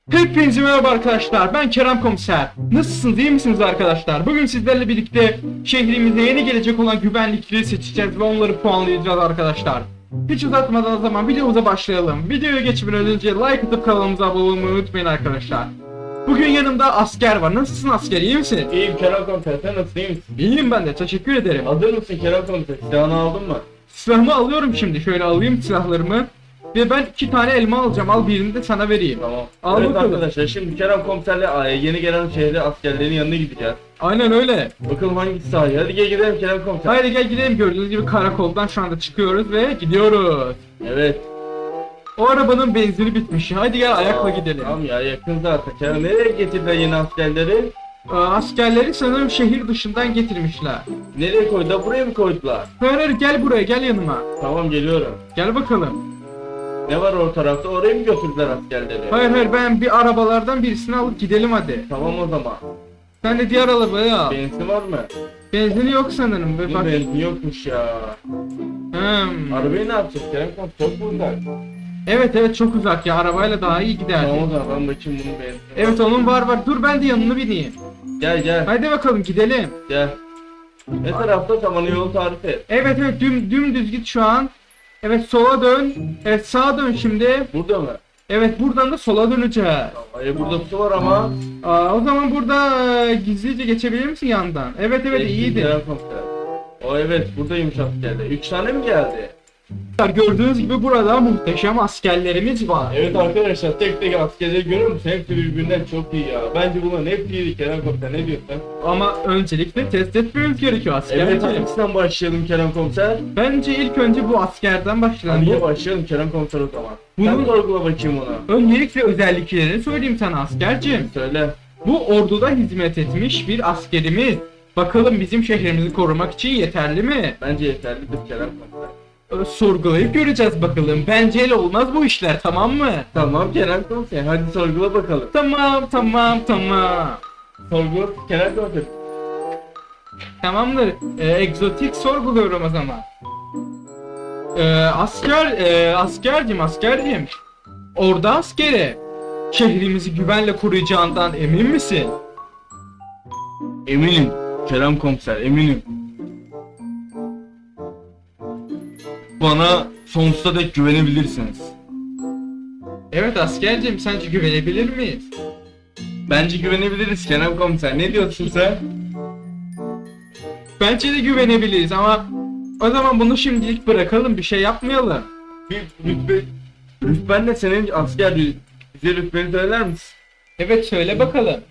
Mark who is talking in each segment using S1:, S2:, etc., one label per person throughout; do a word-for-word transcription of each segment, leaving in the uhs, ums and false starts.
S1: Hepinize merhaba arkadaşlar, ben Kerem Komiser. Nasılsınız, iyi misiniz arkadaşlar? Bugün sizlerle birlikte şehrimize yeni gelecek olan güvenlikleri seçeceğiz ve onları puanlayacağız arkadaşlar. Hiç uzatmadan o zaman videomuza başlayalım. Videoya geçmeden önce like atıp kanalımıza abone olmayı unutmayın arkadaşlar. Bugün yanımda asker var. Nasılsın asker, iyi misin?
S2: İyiyim Kerem Komiser, sen nasılsın, iyi misin?
S1: İyiyim ben de, teşekkür ederim.
S2: Hazır mısın Kerem Komiser? Silahını aldın mı?
S1: Silahımı alıyorum şimdi, şöyle alayım silahlarımı. Ve ben iki tane elma alacağım, al birini de sana vereyim.
S2: Tamam.
S1: Al
S2: Evet
S1: bakalım.
S2: arkadaşlar, şimdi Kerem Komiser'le yeni gelen şehre askerlerin yanına gideceğiz.
S1: Aynen öyle.
S2: Bakalım hangisi sahi. Hadi gel gidelim Kerem Komiser.
S1: Haydi gel gidelim, gördüğünüz gibi karakoldan şu anda çıkıyoruz ve gidiyoruz.
S2: Evet.
S1: O arabanın benzini bitmiş. Haydi gel ayakla gidelim.
S2: Tamam ya, yakın zaten. Kerem, nereye getirdiler yeni askerleri?
S1: Ee, askerleri sanırım şehir dışından getirmişler.
S2: Nereye koydular? Buraya mı koydular?
S1: Hayır hayır, gel buraya, gel yanıma.
S2: Tamam, geliyorum.
S1: Gel bakalım.
S2: Ne var o tarafta? Oraya mı götürdüler askerleri?
S1: Hayır hayır, ben bir arabalardan birisini alıp gidelim hadi.
S2: Tamam o zaman.
S1: Sen de diğer arabaya al.
S2: Benzin var mı?
S1: Benzini yok sanırım. Ve
S2: Bunun
S1: bak.
S2: benzin yokmuş ya.
S1: Hmm.
S2: Arabayı ne yapacağız Kerem Komiser? Çok uzak.
S1: Evet evet, çok uzak ya, arabayla daha iyi gider.
S2: Tamam o zaman, ben bakayım bunun benzini.
S1: Evet, onun var var. Dur ben de yanına bineyim.
S2: Gel gel.
S1: Haydi bakalım gidelim.
S2: Gel. Ne tarafta? Tamam, yolu tarif et.
S1: Evet evet, düm, dümdüz git şu an. Evet, sola dön. Evet, sağa dön şimdi.
S2: Burada mı?
S1: Evet, buradan da sola döneceğiz.
S2: Hayır, burada su var ama.
S1: Aa, o zaman burada e, gizlice geçebilir misin yandan? Evet evet,
S2: Geçtim
S1: iyiydi.
S2: Kerem Komiser. O evet, buradaymış askerler. Üç tane mi geldi?
S1: Gördüğünüz gibi burada muhteşem askerlerimiz var.
S2: Evet arkadaşlar, tek tek askerleri görüyor musun? Hepsi birbirinden çok iyi ya. Bence bunların hepsi iyi Kerem Komiser, ne diyorsun?
S1: Ama öncelikle test etmemiz gerekiyor
S2: Evet,
S1: askerciğim.
S2: hangisinden başlayalım Kerem Komiser?
S1: Bence ilk önce bu askerden başlayalım.
S2: Hadi
S1: Bu-
S2: başlayalım Kerem Komiser o zaman.
S1: Bunun-
S2: Sen sorgula bakayım ona.
S1: Öncelikle özelliklerini söyleyeyim sana askerciğim.
S2: Söyle.
S1: Bu orduda hizmet etmiş bir askerimiz. Bakalım bizim şehrimizi korumak için yeterli mi?
S2: Bence yeterlidir Kerem Komiser.
S1: Ee, Sorgulayıp göreceğiz bakalım. Bence el olmaz bu işler, tamam mı?
S2: Tamam Kerem Komiser, hadi sorgula bakalım.
S1: Tamam tamam tamam.
S2: Sorgula Kerem Komiser.
S1: Tamamdır. Ee, egzotik sorguluyorum o zaman. Ee, asker, e, askercim, askercim. Orada askeri. Şehrimizi güvenle koruyacağından emin misin?
S2: Eminim Kerem Komiser, eminim. Bana sonsuza dek güvenebilirsiniz.
S1: Evet askercim, sence güvenebilir miyiz?
S2: Bence güvenebiliriz Kerem Komiser. Ne diyorsun sen?
S1: Bence de güvenebiliriz ama o zaman bunu şimdilik bırakalım, bir şey yapmayalım.
S2: Bir rütbe... Rütben de senin asker rü- bize rütbeni söyler misin?
S1: Evet, söyle bakalım.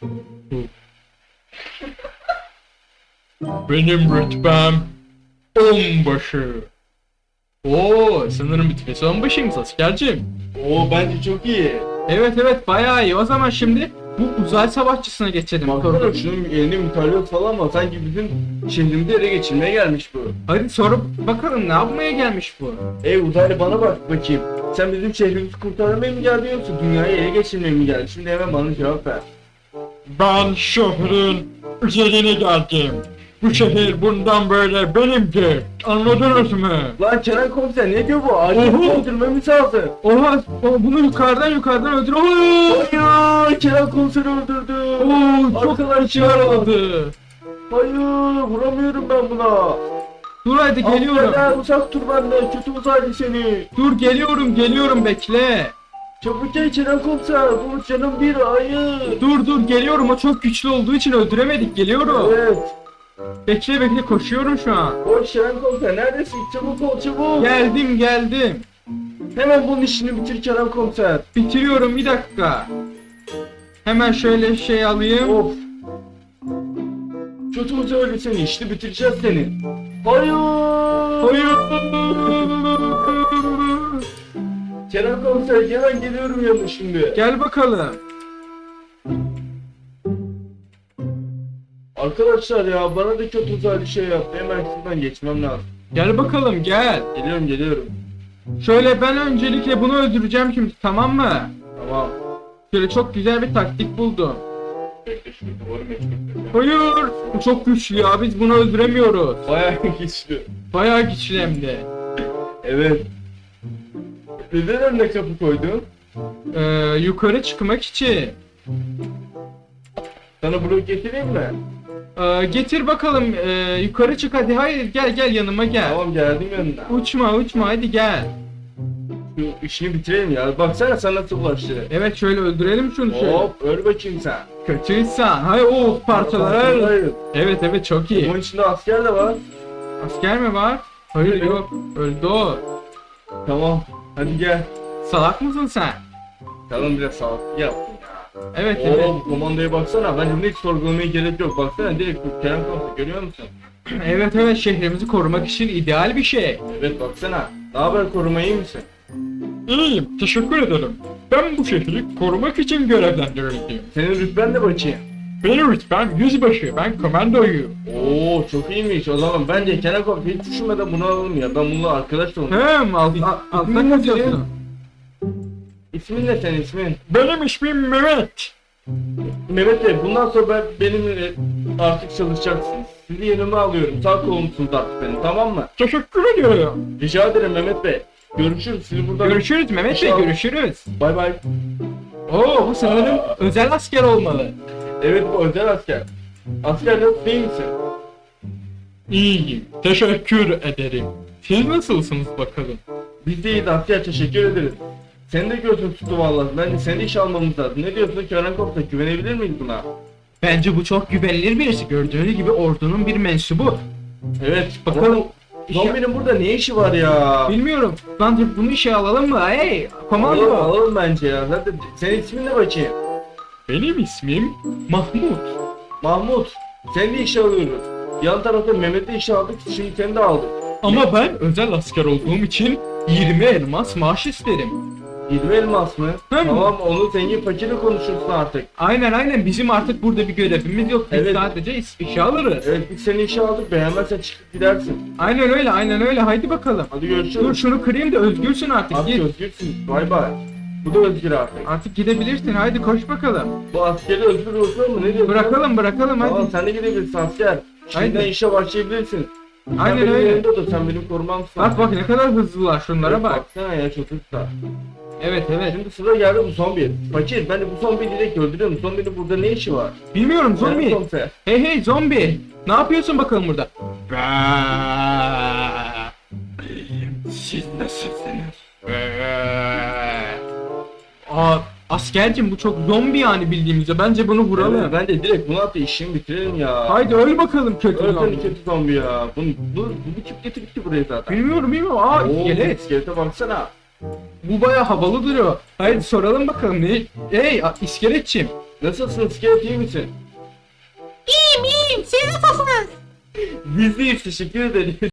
S1: Benim rütbem onbaşı. Oo, sanırım bitmesi onbaşıymış askercim.
S2: Oo, bence çok iyi.
S1: Evet evet, bayağı iyi. O zaman şimdi bu uzay savaşçısına geçelim.
S2: Baksana şunun elinde mütalyok falan var. Sanki bizim şehrimizi ele geçirmeye gelmiş bu.
S1: Hadi sorup bakalım, ne yapmaya gelmiş bu?
S2: Ey uzaylı, bana bak bakayım. Sen bizim şehrimizi kurtarmaya mı geldin yoksa dünyayı ele geçirmeye mi geldin? Şimdi hemen bana cevap ver.
S1: Ben şehrin üzerine geldim. Bu şehir bundan böyle benimdir. Anladınız mı?
S2: Lan Kerem Komiser, ne diyor bu? Acil
S1: Oho.
S2: öldürmemiz lazım.
S1: Oha, o- bunu yukarıdan yukarıdan öldür. Oo,
S2: Hayır, Kerem Komiser'i öldürdü.
S1: Oo, çok
S2: Arkadaşlar.
S1: yaradı.
S2: Hayır, vuramıyorum ben buna.
S1: Dur hadi geliyorum.
S2: Askerler, uzak dur benden, kötü uzaylı seni.
S1: Dur geliyorum geliyorum, bekle.
S2: Çabuk gel Kerem Komiser, bu canım bir, hayır.
S1: Dur dur geliyorum, o çok güçlü olduğu için öldüremedik, geliyorum.
S2: Evet.
S1: Bekle bekle, koşuyorum şu an.
S2: Koş Kerem Komiser, neredesin? Çabuk ol, çabuk.
S1: Geldim geldim.
S2: Hemen bunun işini bitir Kerem Komiser.
S1: Bitiriyorum, bir dakika. Hemen şöyle şey alayım.
S2: Of. Kötü uzaylı seni, işte bitireceğiz seni. Hayır.
S1: Hayır.
S2: Kerem Komiser, hemen geliyorum yanına şimdi.
S1: Gel bakalım.
S2: Arkadaşlar ya, bana da kötü uzaylı şey yaptı. Hemen şuradan geçmem lazım.
S1: Gel bakalım gel.
S2: Geliyorum geliyorum.
S1: Şöyle ben öncelikle bunu öldüreceğim şimdi, tamam mı?
S2: Tamam.
S1: Şöyle çok güzel bir taktik buldum.
S2: Bekle, şu duvarı meşgul.
S1: Hayır. Bu çok güçlü ya, biz bunu öldüremiyoruz.
S2: Bayağı güçlü.
S1: Bayağı güçlü hem de.
S2: Evet. Neden önüne kapı koydun?
S1: Ee, yukarı çıkmak için.
S2: Sana blok getireyim mi?
S1: Ee, getir bakalım. Ee, yukarı çık hadi. Hayır gel gel yanıma gel.
S2: Tamam geldim yanına.
S1: Uçma uçma hadi gel.
S2: Şu işini bitirelim ya. Baksana sen nasıl bulaştı.
S1: Evet şöyle öldürelim şunu şöyle.
S2: Hop öl bakayım sen.
S1: Kötüysen. Hay o parçalar.
S2: Hayır.
S1: Evet evet çok iyi.
S2: Bunun içinde asker de var.
S1: Asker mi var? Hayır
S2: Evet.
S1: yok. Öldü o.
S2: Tamam. Hadi gel.
S1: Salak mısın sen?
S2: Tamam biraz sağlıklı yaptın ya.
S1: Evet evet.
S2: Oo bu komandoya baksana. Bence hiç sorgulamaya gerek yok. Baksana direkt bu Kerem Komiser görüyor musun?
S1: Evet evet şehrimizi korumak için ideal bir şey.
S2: Evet baksana. Ne haber koruma iyi misin?
S1: İyiyim, teşekkür ederim. Ben bu şehri korumak için görevlendirildim.
S2: Senin rütben de bakayım.
S1: Benim rütbem yüzbaşı, ben komandoyum.
S2: Oo çok iyiymiş o zaman. Bence Kerem Komiser hiç düşünmeden bunu alalım ya. Ben bununla arkadaş da olayım.
S1: Hem alt,
S2: İsmin
S1: alttan
S2: ne
S1: kaçıyorsun.
S2: İsmin ne senin ismin?
S1: Benim ismim Mehmet.
S2: Mehmet Bey bundan sonra ben, benimle artık çalışacaksınız. Sizi yanıma alıyorum. Sağ kolumsunuz artık benim tamam mı?
S1: Teşekkür ediyorum.
S2: Rica ederim Mehmet Bey. Görüşürüz. Sizi buradan...
S1: Görüşürüz Mehmet Bey,
S2: İnşallah.
S1: görüşürüz.
S2: Bay bay.
S1: Oo bu sanırım özel asker olmalı.
S2: Evet bu özel asker. Asker nasıl değil misin?
S1: İyiyim, teşekkür ederim. Siz nasılsınız bakalım?
S2: Biz de iyiyiz asker teşekkür ederiz. Sen de gözün tuttu vallahi. Bence seni işe almamız lazım. Ne diyorsun Kerem Komiser? Güvenebilir miyiz buna?
S1: Bence bu çok güvenilir birisi. Gördüğünüz gibi ordunun bir mensubu.
S2: Evet.
S1: Bakalım.
S2: Ama Zombinin burada ne işi var ya?
S1: Bilmiyorum. Bence bunu işe alalım mı? Hey,
S2: Alalım,
S1: komando.
S2: alalım bence ya. Zaten senin ismin ne bakayım?
S1: Benim ismim Mahmut.
S2: Mahmut. Seni de işe alıyoruz. Yan tarafta Mehmet'i işe aldık. Şimdi seni de aldık.
S1: Ama ben özel asker olduğum için yirmi elmas maaş isterim.
S2: yirmi elmas mı?
S1: Hı.
S2: Tamam onu zengin fakirle konuşursun artık.
S1: Aynen aynen bizim artık burada bir görevimiz yok. Biz
S2: Evet.
S1: sadece iş, işe alırız.
S2: Evet biz seni işe aldık. Beğenmezsen çıkıp gidersin.
S1: Aynen öyle aynen öyle. Haydi bakalım.
S2: Hadi
S1: Dur
S2: görüşürüz.
S1: şunu kırayım da özgürsün artık.
S2: Abi
S1: Git.
S2: özgürsün. Bay bay. Bu da özgür artık.
S1: Artık gidebilirsin. Haydi koş bakalım.
S2: Bu askeri özgür olsun mu? Ne diyorsun?
S1: Bırakalım bırakalım
S2: Tamam
S1: hadi.
S2: sen de gidebilirsin asker. Şimdiden
S1: Haydi.
S2: işe başlayabilirsin. Sen
S1: Aynen
S2: benim
S1: öyle.
S2: yanımda dur. Sen benim korumamsın.
S1: Bak bak ne kadar hızlılar şunlara
S2: Evet,
S1: bak.
S2: Baksana ya çok hızlı.
S1: Evet evet.
S2: Şimdi sıra geldi bu zombi. Fakir ben de bu zombiyi direkt öldürüyorum. Zombinin burada ne işi var?
S1: Bilmiyorum
S2: Kerem
S1: zombi.
S2: Komiser.
S1: Hey hey zombi. Ne yapıyorsun bakalım burada?
S2: Siz nasılsınız?
S1: Aa, askercim bu çok zombi yani bildiğimizde. Bence bunu vuralım.
S2: Evet, ben de direkt bunu atı işimi bitirelim ya.
S1: Haydi öl bakalım kötü
S2: Öl
S1: zombi.
S2: seni kötü zombi ya. Bunu, bu, bu, bu tip getirdik ki buraya zaten.
S1: Bilmiyorum bilmiyorum. Aa
S2: Oo,
S1: iskelet.
S2: iskelete baksana.
S1: Bu baya havalı duruyor. Haydi soralım bakalım ne? Hey a- iskeletçim.
S2: Nasılsın iskelet iyi misin?
S3: İyiyim iyiyim. Siz nasılsınız?
S2: Biz deyiz teşekkür ederiz.